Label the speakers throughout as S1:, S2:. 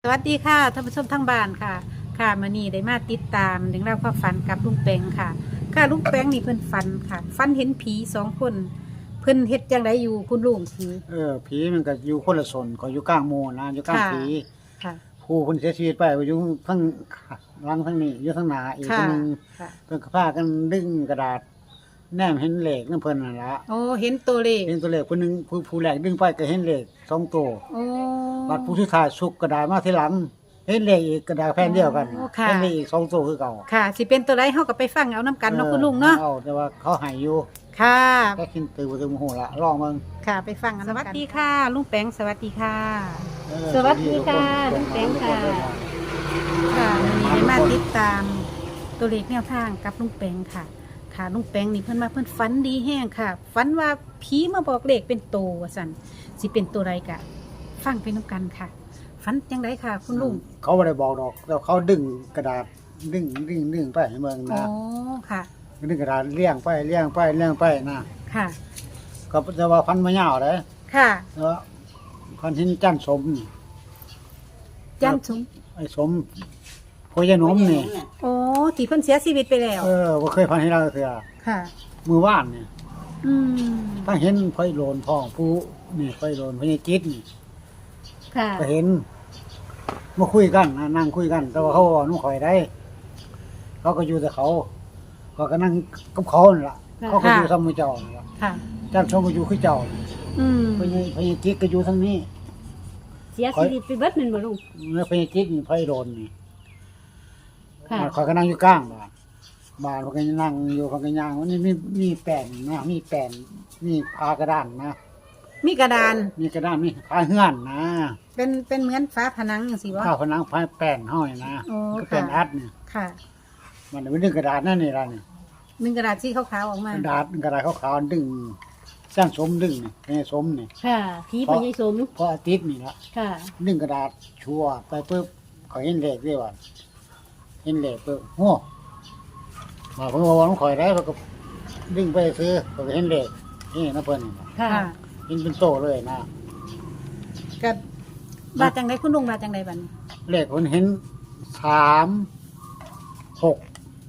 S1: วัสดีค่ะท่านผู้ชมทั้งบ้านค่ะค่ะมื้อนี้ได้มาติดตามเรื่องราวความฝันกับลุงแปงค่ะค่ะลุงแปงนี่เพิ่นฝันค่ะฝันเห็นผีสองคนเพิ่นเฮ็ดจังไดอยู่คุณลุงผี
S2: ผีมันก็อยู่คนละส่วนก็อยู่กลางหมู่นะอยู่กลางผี
S1: ค่ะ
S2: ผู้เพิ่นเสียชีวิตไปก็อยู่ทั้งหลังทั้งนี้อยู่ทั้งหน้าอีกคนนึง
S1: ค่ะ
S2: เพิ่นก็พากันดึงกระดาษแนมเห็นเลขนำเพิ่นนั่นล่ะ
S1: โอ้เห็นตัวเลข
S2: เห็นตัวเลขผู้หนึงผู้แรกดึงไปก็เห็นเลข2ตัว
S1: โอ้
S2: บัดผู้สุดท้ายสุกกระดาษมาทีหลังเห็นเลขอีกกระดาษแผ่นเดียวกันเห็นเลขอีก2ตัวคือเก่า
S1: ค่ะสิเป็นตัวใดเฮาก็ไปฟังเอานํกันเนาะคุณลุงเนาะ
S2: เอาแต่ว่าเขาให้อยู่
S1: ค่ะ
S2: ก็คิดตื่นบ่ถึงโมโหละลองเบิ่ง
S1: ค่ะไปฟังกันสวัสดีค่ะลุงแปงสวัสดีค่ะ
S3: สวัสดีค่ะลุงแปงค่ะ
S1: ค่ะวันนี้ได้มาติดตามตัวเลขแนวทางกับลุงแปงค่ะค่ะลุงแปงนี่เพิ่นมาเพิ่นฝันดีแห้งค่ะฝันว่าผีมาบอกเลขเป็นโตว่าซั่นสิเป็นตัวใดกะฟังไปนํกันค่ะฝันจังไดค่ะ คุณลุง
S2: เขาบ่ได้บอกดอกแต่เขาดึงกระดาษดึงไปให้เบิ่ง
S1: อ๋อ
S2: นะ
S1: ค่ะ
S2: ดึงกระดาษเลี้ยงไปนะ
S1: ค่ะ
S2: ก็จะว่าพันมะยาวเลย
S1: ค่ะ
S2: แล้วพันหินจันทร์สมนี่
S1: จันทร์สม
S2: ไอ้สมโพยายหนมนี่
S1: โอ้ที่เพิ่นเสียชีวิตไปแล้ว
S2: บ่เคยพันให้เราเถื่อ
S1: ค่ะ
S2: มือว่านนี่
S1: อืม
S2: ถ้าเห็นไฟโลนพ่องผู้นี่ไฟโลนพญาจิตนี่
S3: ค่ะ
S2: ก็เห็นมาคุยกันนะนั่งคุยกัน แต่ว่าเขาว่าหนุ่ข่อยได้ เขาก็อยู่แต่เขาก็นั่งกับเขานั่นล่ะเขาก็อยู่ซ้ำมือเจ้านั่นล่ะ
S1: ค่ะ
S2: จันทร์สมก็อยู่คือเจ้า
S1: อืม
S2: พญาจิตก็อยู่ทางนี้
S3: เสียชีวิตไปเบิดแม่นบ่ลุง
S2: แล้วพญาจิตนี่ไฟโลนนี่
S3: ค่ะ
S2: ข่อยก็นั่งอยู่กลางบ้านเขาก็นั่งอยู่เขาก็ย่างวันนี้มีแป้นนะมีแป้นมีพากระดานนะ
S1: มีกระดาน
S2: มีกระดานมีพาเฮือนนะ
S1: เป็นเหมือนฝาผนังจังซี่บ่
S2: ข้าวผนังพาแป้นห้อยนะ
S1: อ๋อ
S2: ก็แป้น
S1: ค่ะ
S2: อัดเนี่ย
S1: ค่ะ
S2: มันเป็นดึงกระดาษนั่นนี่ล่ะนี่
S1: หนึ่งกระดาษสีขาวๆออกมาก
S2: ระดาษขาวๆดึงสร้างสมดึงนี่ให้สมนี่
S3: ค่ะผีพญายสม
S2: เพราะอาทิตย์นี่ละ
S3: ค่ะ
S2: ดึงกระดาษชัวไปปุ๊บเขาเห็นเลขด้วยว่าเห็นเลขปุ๊บโอ้มาเพิ่งมาวันข่อยได้เขาก็ดึงไปซื้อเขาก็เห็นเลขนี่นะเพิ่นนี่
S3: ค่ะ
S2: เห็นเป็นโตเลยนะ
S1: กับบาดจังไดคุณลุงบาดจังไดบัดนี้
S2: เลขคนเห็น3 6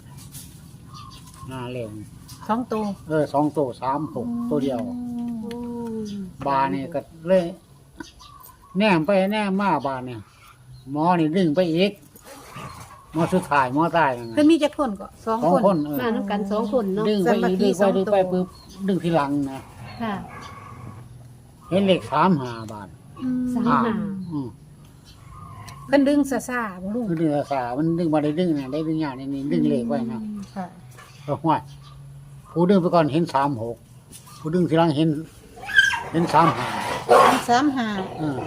S2: เลข
S1: 2ตัว
S2: 2ตัว3 6ตัวเดียว
S3: โอ้
S2: บานี่ก็เลยแนมไปแนมมาบานี่หมอนี่ดึงไปอีกหมอสุดท้ายหมอตายนั่น
S1: เพิ่น
S2: น่ะ
S1: มีจักคนก็สอง
S2: สอง
S1: คน
S2: คน
S3: มานํกัน2คนเนาะ
S2: ดึงไปอีกดึงไปปุ๊บดึงทีหลังนะ
S3: ค่ะ
S2: เห็นเลข35 บาท
S1: อืม
S3: สาม
S2: อืม
S1: เพิ่นดึงซ่าๆบ่ลุง
S2: คือดึงภาษามันดึงมาได้ดึงนะได้ดึงอย่างนี้ดึงเลขไว้นะ
S1: ค่ะ
S2: ก็ห้วยผู้ดึงไปก่อนเห็น36ผู้ดึงทีหลังเห็น35
S1: 35
S2: เออ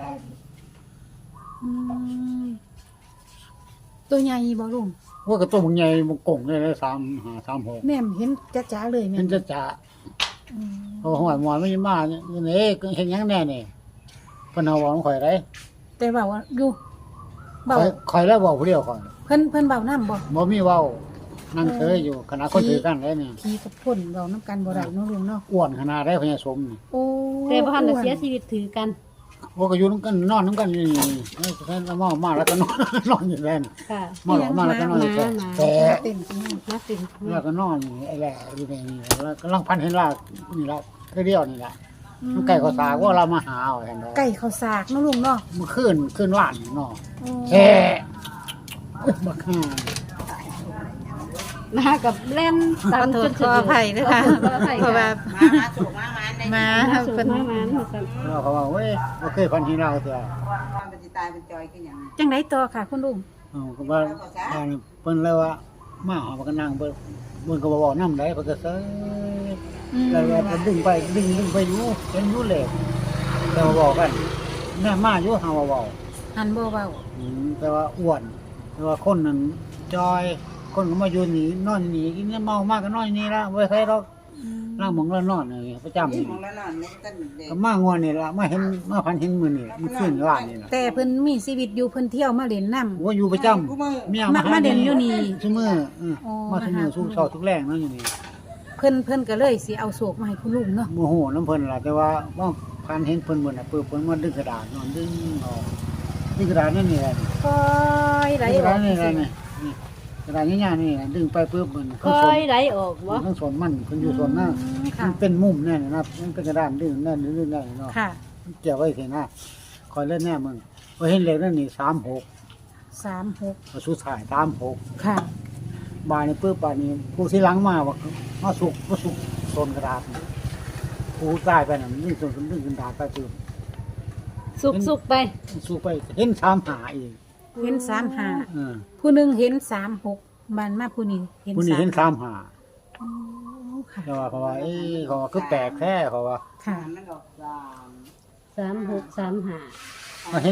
S1: อืมตัวใหญ่บ่ลุง
S2: ว่ากระตุ้มใหญ่มันกงเลยเลย35 36
S1: แม่มเห็นจ๋าๆเลยแม่
S2: มัน
S1: น
S2: จะ
S1: อืม
S2: โอ้โหหมอนไม่มาเนี่ยนี่เห็นยังแน่นี่เพิ่นเอาบอกข่อยได้
S1: แต่ว่าอยู่เบา
S2: ข่อยแล้วบอกผู้เดียวข่อย
S1: เพิ่นเบาน้ำบ่
S2: บ่มีเว้านั่งเฉยอยู่ขณะคนถือกันได้เนี่ย
S1: ผีกับคนเบาน้ำกันบ่ได้เนาะลุงเนาะ
S2: อ้วนขนาดได้พญาสมนี่
S1: โอ้
S3: แต่บ่ทันได้เสียชีวิตถือกัน
S2: โอ้ก็อยู่นำกันนอนนำกันนี่แล้วมาแล้วก็นอนนอนอยู่แล้วนี่
S3: ค่ะ
S2: มาแล้วก็นอนอยู่แต่
S1: เต็มจริง
S3: มาติน
S2: แล้วก็นอนนี่ไอ้แหละอยู่ในนี่แล้วกำลังพันเห็นลากนี่ละคือเดียวนี่ล่ะมันไก่ก็สากว่าเรามาหาเอาแทนดอก
S1: ไก่ข้าวสากเนาะลุงเนาะ
S2: เมื่อคืนว่านนี่เนาะ
S1: โอ้
S2: แท้บักห่า
S3: มากับเล่น
S1: ขอโทษขออภัยด้วยค่ะเพราะว่ามา
S3: สุด
S1: เพิ่น
S3: มามัน
S2: แล้วเขาว่าเว้ยบ่เคยพันที่เราเถอะ
S4: มันจะตายเป็นจอยขึ้นอย่าง
S1: จังไดต่อค่ะคุณลุง
S2: ก็ว่าเพิ่นเลยว่ามาหามันก็นั่งเบิ่นก็บ่เว้านำได้เพิ่นก็เซยแล้วก็ดึงไปอยู่เห็นอยู่เลยแต่ว่าบอกกันแม่มาอยู่หาว่าเว้า
S1: หันบ่เว้า
S2: แต่ว่าอ้วนแต่ว่าคนนั้นจอยคนก็มาอยู่นี่นอนนี่กินเมามากก็นอนนี่ละบ่ใช่ดอกล่างหมองแล้วนอนนี่ประจำ
S4: นี่
S2: นี่
S4: ของแล้วนอนไม่ต้นเด็ก
S2: ก็มางวนนี่ล่ะมาเห็นมาพันเห็นมื้อนี่มันขึ้นว่านนี่ล่ะ
S1: แต่เพิ่นมีชีวิตอยู่เพิ่นเที่ยวมาเล่นน้ำ
S2: ว่าอยู่ประจำเมีย
S1: มาเด่นอยู่นี่
S2: ซุมื้อมาซุมื้อสู้เช้าทุกแรงเนาะอยู่นี่
S1: เพิ่นก็เลยสิเอาโศกมาให้คุณลุงเนาะ
S2: โมโหน้ำเพิ่นล่ะแต่ว่าพันเห็นเพิ่นเบิ่นน่ะเพิ่นมาดึงกระดาษนอนดึงออกนี่กระดาษนี่แหละ
S1: คอยไหล
S2: นี่ก
S1: อ
S2: ระ
S1: อ
S2: ดาก ษนี่แหละนี่กระดาษง่ายๆนี่ดึงไปปุ๊บมัน
S3: คอยไหลออกบ่
S2: ทั้งส่วนมันมันอยู่ส่วนหน้า
S1: ค่ะ
S2: มันเป็นมุมแน่นะมันเป็นกระดานดึงแน่นดึงแน่เนาะ
S1: ค่ะ
S2: เกี่ยวไว้เถอะนะคอยเล่นแน่มึงพอเห็นเหล็กนั่นนี่36
S1: 36
S2: มาสู้ถ่าย36
S1: ค่ะ
S2: บานนี่ปุ๊บบานนี้ผู้ที่หลังมาว่ามาสุกโซนกระดาษผู้ใต้ไปน่ะดึงโซนดึงกระดาษไปปุ๊บ
S3: สุกๆไป
S2: สู้ไปเห็นหาอีก
S1: เห็น
S2: เออ
S1: 35ผู้หนึงเห็น36มันมาผู้นี้เห็น
S2: ผู้นี้เห็น
S1: 35
S2: หา
S1: อ๋อค่ะ
S2: เพราะว่าเขาว่าคือแปลกแท้เขาว่า
S1: ค่ะ
S4: มันออก
S3: 3635
S2: มาเห็น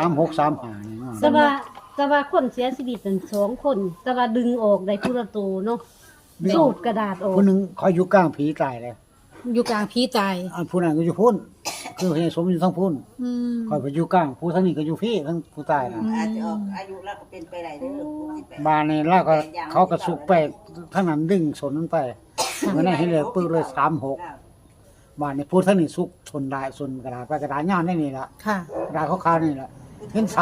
S2: 3635นี่เนาะ
S3: แต่ว่าคนเสียชีวิตทั้งสองคน แต่ว่าดึงออกได้ผู้ละตัวเนาะสูบกระดาษออก
S2: ผู้หนึงคอยอยู่กลางผีตายเลย
S1: อยู่กลางผีตาย
S2: อันผู้นั้นก็อยู่พุ่นคือพญสมอยู่ทั้งพุ่น
S1: อืม
S2: คอยไปอยู่กลางผู้ทั้งนี้ก็อยู่พี่ทั้งผู้ตายนะ
S4: อาจจะออกอายุแล้วก็เป็นไปได้เด้อ68
S2: บานนี่แล้วก็เขาก็สุกไปทั้งนั้นดึงสนนั้นไปเมื่อนั้นเห็นเลยปื้อเลย36บานนี่ผู้ทั้งนี้สุกชนได้ชนกระดาษไปกระดาษย่านนี่ล่ะ
S1: ค่ะ
S2: กระดาษขาวๆนี่ล่ะเห็น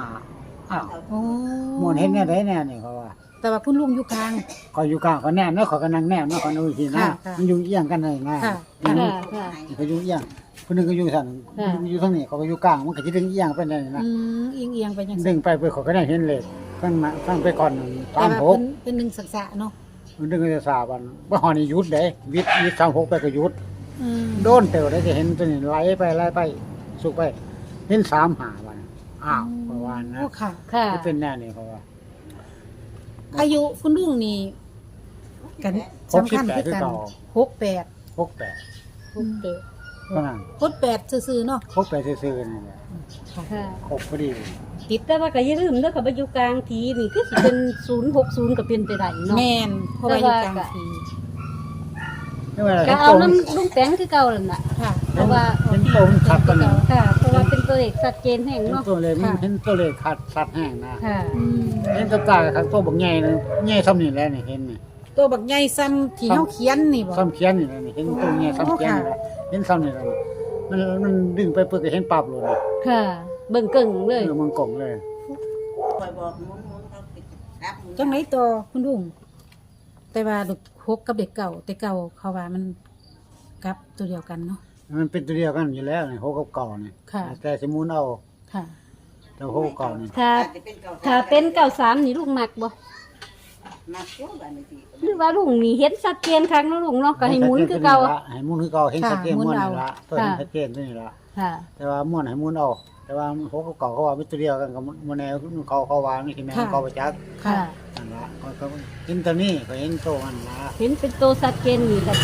S2: 35อ้าว
S1: โอ้
S2: มวนเห็นแน่ได้แน่นี่เขาว่า
S1: แต่ว่าคุณลุงอยู่กลาง
S2: ก็อยู่กลางเขาแน่เนาะเขาก็นั่งแน่เนาะเขาดูทีนะ
S1: ค่ะค่ะ
S2: มันอยู่เอียงกันเลยนะ
S1: ค่ะ
S3: ค่ะค่ะ
S2: เขาอยู่เอียงคนหนึงก็อยู่สั่น
S3: ค่ะ
S2: อยู่ทางนี้เขาก็อยู่กลางมันก็สิดึงเอียงไปได้นะ
S1: อืมเอียงๆไปจัง
S2: ดึ
S1: ซี่
S2: งไปเพื่อเขาก็ได้เห็นเลยตั้งไปก่อน
S1: แต่ว่า
S2: 36
S1: เป็นหนึ่งสักษะเนาะ
S2: มันดึงจะสาบันบ่ฮอนี่หยุดเด้วิทย์36ไปก็หยุด
S1: อืม
S2: โดนเต๋อได้จะเห็นตัวนี้ไหลไปสุกไปเห็น35วันอ้าวประมาณนะ
S1: โอ้ค่ะ
S3: ค่ะ
S2: ที่เป็นแน่นี่เพราะว่า
S1: อายุคุณลุงนี่กันสำคัญคือกัน68
S2: 68
S3: โอเค
S2: เท่านั้น
S1: 68ซื่อๆเนาะ
S2: 68ซื่อๆนี่แหละ
S3: ค่ะ
S2: ครบพอดี
S3: ติดแต่ว่าก็อย่าลืมเด้อกับว่าอยู่กลางทีนี่คือสิเป็น060ก็เป็นไปได้เนาะ
S1: แม่นเพราะว่าอยู่กลางที
S2: นี่ว่า
S3: ก็เอาน้ำลุงแป้งคือเก่านั่นน่ะ
S1: ค่ะ
S3: เพราะว่า
S2: เห็นตัวมันขัดกันนี่
S3: ค่ะ เพราะว่าเป็นตัวเลขชัดเจนแห่ง
S2: เห็น
S3: เนาะ
S2: ตัวเลยมันเห็นตัวเลยขาดสัดแห้งนะ
S3: ค่ะ
S1: อืม
S2: เห็นตัวตากับตัวบักใหญ่นะใหญ่ซ้ำนี่แหล้วนี่เห็นนี่
S1: ตัวบักใหญ่ซ้ำที่เฮาเขียนนี่บ่
S2: ซ้ำเขียนนี่แหละนี่เห็นตัวใหญ่ซ้ำเขียนนี่แหละเห็นซ้ำนี่แหละมันดึงไปเพื่อจะเห็นปรับเลยนะ
S3: ค่ะ เบิ่งเกิ่งเลย
S2: มันกล่องเลย
S4: คอยบอกหมุนเขาปิดครับ
S1: จังไหนต่อคุณลุงแต่ว่าลูกหกกับเด็กเก่าแต่เก่าเขาว่ามันกลับตัวเดียวกันเนาะ
S2: มันเป็นตัวเดียวกันอยู่แล้วนี่โฮกับเก่านี่
S1: ค่ะ
S2: แต่สมุนเอา
S1: ค่ะ
S2: แต่โฮกับเก่านี่
S3: ถ้า
S4: อาจจะเป็นเก่า
S3: ถ้าเป็น93นี่ลุงมักบ่
S4: มาเที่ยวกันที
S3: หรือว่าลุงนี่เห็นชัดเจนครั้งเนาะลุงเนาะก็ให้หมุนคือเก่า
S2: ให้หมุนคือเก่าเห็นชัดเจนม้วนนี่ละตัวนี้ชัดเจนตัวนี้ละ
S3: ค่ะ
S2: แต่ว่าม้วนให้หมุนเอาแต่ว่าโฮกับเก่าเขาว่าเป็นตัวเดียวกันกับมันแนวเขาวางนี่ที่แม่เขาประจักษ์
S1: ค่ะ
S2: นั่นละเขาเห็นตัวนี้เขาเห็นตัวมันละ
S3: เห็นเป็นตัวชัดเจนนี่ก็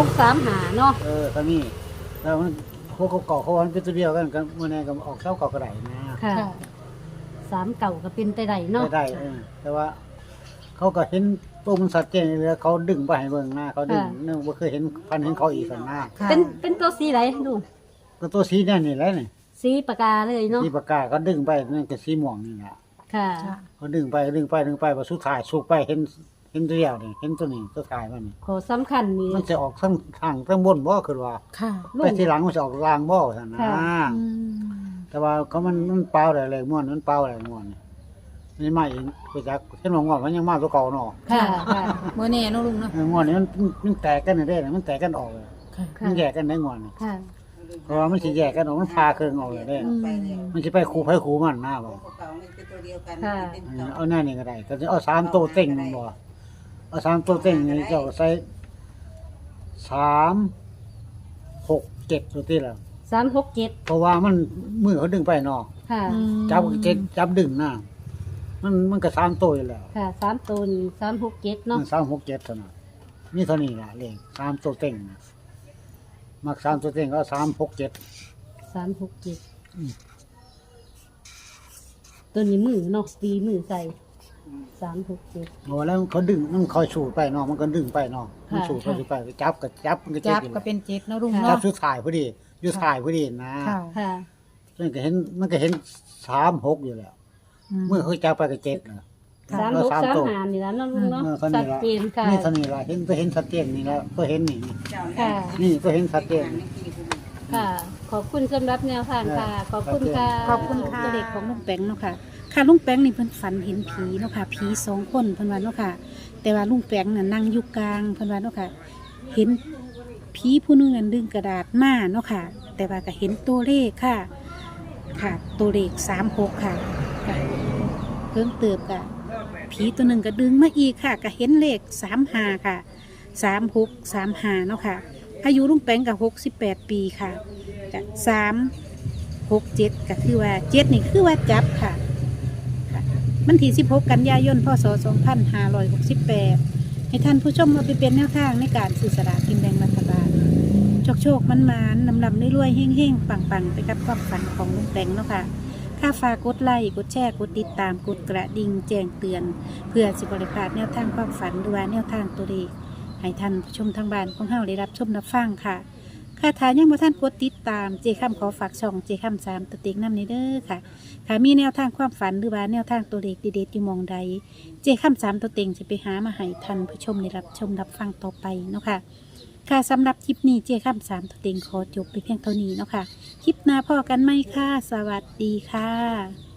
S3: 3635เนาะ
S2: ตัวนี้แล้วมันพวกเขาเก่าเขาว่ามันเป็นตัวเดียวกันกันมันแน่ก็ออกเท่าเก่ากระไดนะ
S3: ค่ะ
S1: ค่ะ
S3: 3เก่าก็เป็นไปได้เนาะ
S2: ได้แต่ว่า เขาก็เห็นตัวมันสัตว์เจนเลยเขาดึงไปให้เบิ่งหน้าเขาดึงเนื่องว่าเคยเห็นพันเห็นเขาอีกสันหน้า
S1: ค่ะ
S3: เป็นตัวสีไหนลุง
S2: ก็ตัวสีนั่นนี่แหละนี่
S3: สีปากกาเลยเนาะ
S2: สีปากกาเขาดึงไปนั่นก็สีม่วงนี่แหละ
S3: ค่ะ
S1: ค่ะ
S2: เขาดึงไปพอสุดท้ายสุกไปเห็นตัวเดียวนี่เห็นตัวนี้ตัวท้ายมันนี่
S3: ขอสำคัญนี่
S2: มันจะออกทั้งทางทั้งบนบ่คือว่า
S1: ค่ะ
S3: ลุ
S2: ไป
S3: ง
S2: ทีหลังมันจะออกลางบ่สันนะ
S3: ค่ะ
S1: อืม
S2: แต่ว่าเขามันเปล่าอะไรม่วนมันเปล่าอะไรม่วนนี่มาเองไปจากเห็นว่าง่วงมันยังมาตัวเก่าเนาะ
S3: ค่ะค่ะ
S1: บ่แน่เนาะลุงเนาะ
S2: ง่วงนี่มันแตกกันได้เลยมันแตกกันออกเลย
S1: ค่ะ
S3: ค่ะ
S2: มันแยกกันได้ง่วงนี่
S3: ค่ะ
S2: เพราะว่ามันสิแยกกันออกมันพาเครื่องออกเลยได้
S1: อืม
S4: ไปเลย
S2: มันสิไปคู่ไผคู่มันหน้าบ่
S4: เก่ามันเป็นตัวเดียวกันเป็น
S2: อัน
S4: เก่า
S2: นี้เอาหน้านี่ก็ได้ก็จะเอา3ตัวเต็งมันบ่เอา3ตัวเต็งนี่เจ้าก็ใส่3 6 7ตัวที่ละ
S3: 367
S2: เพราะว่ามันมือเขาดึงไปเนาะ
S3: ค่ะ
S1: อืม
S2: จับดึงหน้ามันก็3ตัวอยู่แล้ว
S3: ค่ะ3ตัวนี่367เนาะ
S2: มัน3 6 7เท่านั้นมีเท่านี้ล่ะเลข3ตัวเต็งนะมัก3ตัวเต็งก็3 6 7
S3: 367ตัวนี้มือเนาะตีมือใส่367
S2: โอ้แล้วเขาดึงมันคอยสูดไปเนาะมันก็ดึงไปเนาะมันสูดไปสูดไปจับมันก็เจ็
S1: จั
S2: บบ อยู่
S1: ก็เป็นเจ็ดเนาะลุง
S2: จับ
S1: เนาะ
S2: สุดท้ายพอดีอยู่ท้ายพอดีนะ
S1: ค่ะ
S3: ค่ะ
S2: มันก็เห็น3 6อยู่แล้ว เมื่อเขาจับไปก็7นะ
S3: 3635นี่ล่ะเนาะลุงเนาะ
S2: เท่า
S3: ชั
S2: นี้
S3: ด
S2: ละ
S3: เจนค่ะ
S2: นี่เท่านี้ละเห็นชัดเจนนี่แล้วก็เห็นนี่
S4: เจ้า
S3: ค่ะ
S2: นี่ก็เห็นชัดเจน
S3: ค่ะ
S2: ก
S3: ขอบคุณสำหรับแนวทางค่ะ ขอบคุณค่ะ
S1: ขอบคุณค่ะตัวเลขของลุงแปงเนาะค่ะค่ะลุงแปงนี่เพิ่นฝันเห็นผีเนาะค่ะผี2 คนเพิ่นว่าเนาะค่ะ แต่ว่าลุงแปงน่ะนั่งอยู่กลางเพิ่นว่าเนาะค่ะ เห็นผีผู้หนึงนั่นดึงกระดาษมาเนาะค่ะ แต่ว่าก็เห็นตัวเลขค่ะ ค่ะตัวเลข36ค่ะค่ะเพิ่มเติบค่ะผีตัวหนึ่งก็ดึงมาอีกค่ะก็เห็นเลข35ค่ะ3635เนาะค่ะ อายุลุงแปงกับ68 ปีค่ะกับ367ก็คือว่า7นี่คือว่าจับค่ะค่ะมันที่16 กันยายนพศ2568ให้ท่านผู้ชมมาไปเป็นแนวทางในการสื่อสารกินแบ่งรัฐบาลโชคมันนำรวยๆเฮ่งๆปังๆไปกับความฝันของลุงแปงเนาะค่ะค่าฝากกดไลค์กดแชร์กดติดตามกดกระดิ่งแจ้งเตือน เพื่อสิบริพลาดแนวทางความฝันหรือว่าแนวทางตัวเลขให้ท่านผู้ชมทางบ้านของเฮาได้รับชมรับฟังค่ะค่ะถ้ายังบ่ท่านกดติดตามเจคำขอฝากช่องเจคำ3ตัวเต็งนำในเด้อค่ะค่ะมีแนวทางความฝันหรือว่าแนวทางตัวเลขเด็ดๆอยู่หมองใดเจคำ3ตัวเต็งจะไปหามาให้ท่านผู้ชมได้รับชมรับฟังต่อไปเนาะค่ะค่ะสำหรับคลิปนี้เจคำ3ตัวเต็งขอจบไปเพียงเท่านี้เนาะค่ะคลิปหน้าพอกันไหมค่ะสวัสดีค่ะ